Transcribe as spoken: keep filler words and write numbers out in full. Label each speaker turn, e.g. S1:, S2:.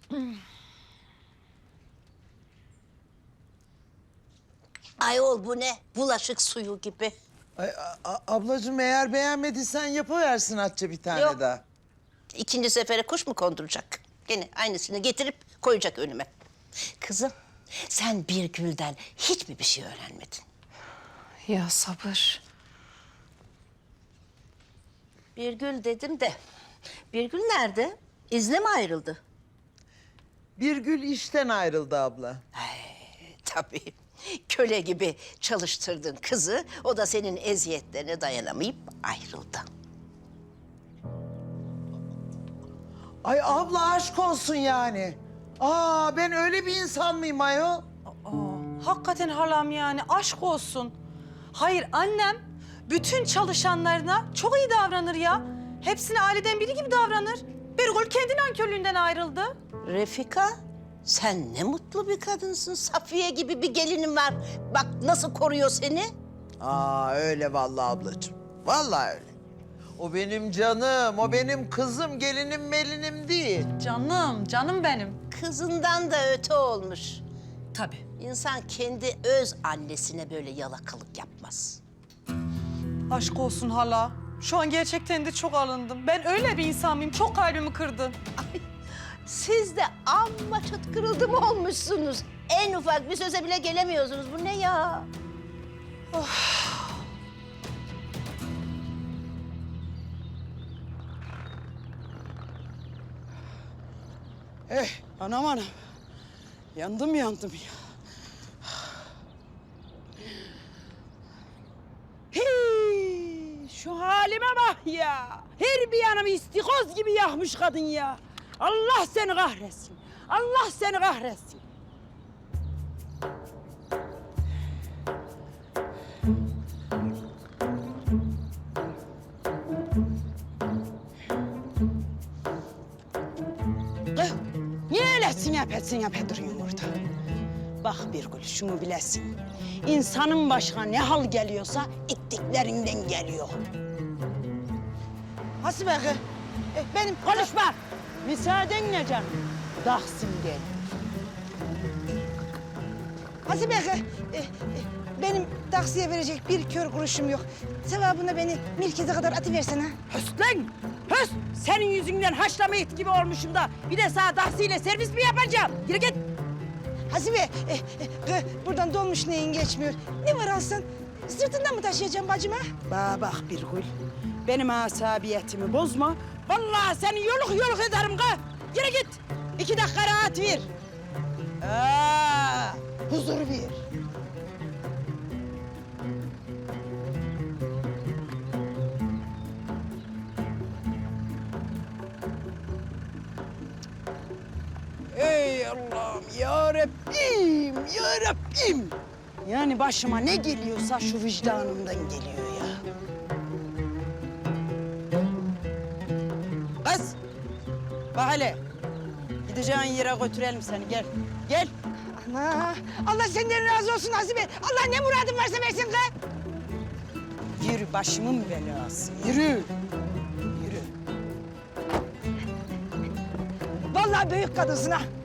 S1: Ayol bu ne? Bulaşık suyu gibi.
S2: Ay, a- a- ablacığım eğer beğenmediysen yapıversin Hatice bir tane
S1: Yok.
S2: daha.
S1: İkinci sefere kuş mu konduracak? Gene aynısını getirip koyacak önüme. Kızım, sen bir gülden hiç mi bir şey öğrenmedin?
S3: Ya sabır.
S1: Bir gül dedim de, bir gül nerede? İzne mi ayrıldı?
S2: Bir gül işten ayrıldı abla.
S1: Tabii. Köle gibi çalıştırdın kızı, o da senin eziyetlerine dayanamayıp ayrıldı.
S2: Ay abla aşk olsun yani. Aa ben öyle bir insan mıyım ayol?
S3: Aa, hakikaten halam yani aşk olsun. Hayır annem bütün çalışanlarına çok iyi davranır ya. Hepsine aileden biri gibi davranır. Birgül kendi nankörlüğünden ayrıldı.
S1: Refika, sen ne mutlu bir kadınsın. Safiye gibi bir gelinin var. Bak nasıl koruyor seni.
S2: Aa öyle vallahi ablacığım. Vallahi öyle. O benim canım, o benim kızım, gelinim melinim değil.
S3: Canım, canım benim.
S1: Kızından da öte olmuş.
S3: Tabii.
S1: İnsan kendi öz annesine böyle yalakalık yapmaz.
S3: Aşk olsun hala. Şu an gerçekten de çok alındım. Ben öyle bir insan mıyım? Çok kalbimi kırdın.
S1: Ay, siz de amma çıt kırıldım olmuşsunuz. En ufak bir söze bile gelemiyorsunuz. Bu ne ya?
S4: Eh, anam anam. Yandım yandım ya. Hey, şu halime bak ya. Her bir yanımı istikoz gibi yakmış kadın ya. Allah seni kahretsin. Allah seni kahretsin. Kız, niye öyle sinyap et sinyap et duruyorsun orada? Bak Birgül, şunu bilesin. İnsanın başına ne hal geliyorsa ittiklerinden geliyor. Hasibe kız, e, benim konuşma. Müsaadenle canım. Dahsin gel.
S5: Hasibe kız, e, e, benim taksiye verecek bir kör kuruşum yok. Sevabına beni merkeze kadar atıversene.
S4: Höst lan! Höst! Senin yüzünden haşlama et gibi olmuşum da bir de sana dahsiyle servis mi yapacağım? Yürü git!
S5: Hasibe, e, e, kız, buradan dolmuş neyin geçmiyor. Ne var alsan? Sırtından mı taşıyacağım bacıma?
S4: Bana bak Birgül, benim asabiyetimi bozma. Vallahi seni yoluk yoluk ederim kız. Yürü git! İki dakika rahat ver. Aa, huzur ver. Ey Allah'ım ya Rabbim, ya Rabbim. Yani başıma ne geliyorsa şu vicdanımdan geliyor ya. Kız, bak hele. Gideceğin yere götürelim seni, gel. Gel.
S5: Ana, Allah senden razı olsun Hasibe. Allah ne muradın varsa versin kız.
S4: Yürü, başımın belası, yürü. Yürü.
S5: Vallahi büyük kadınsın ha.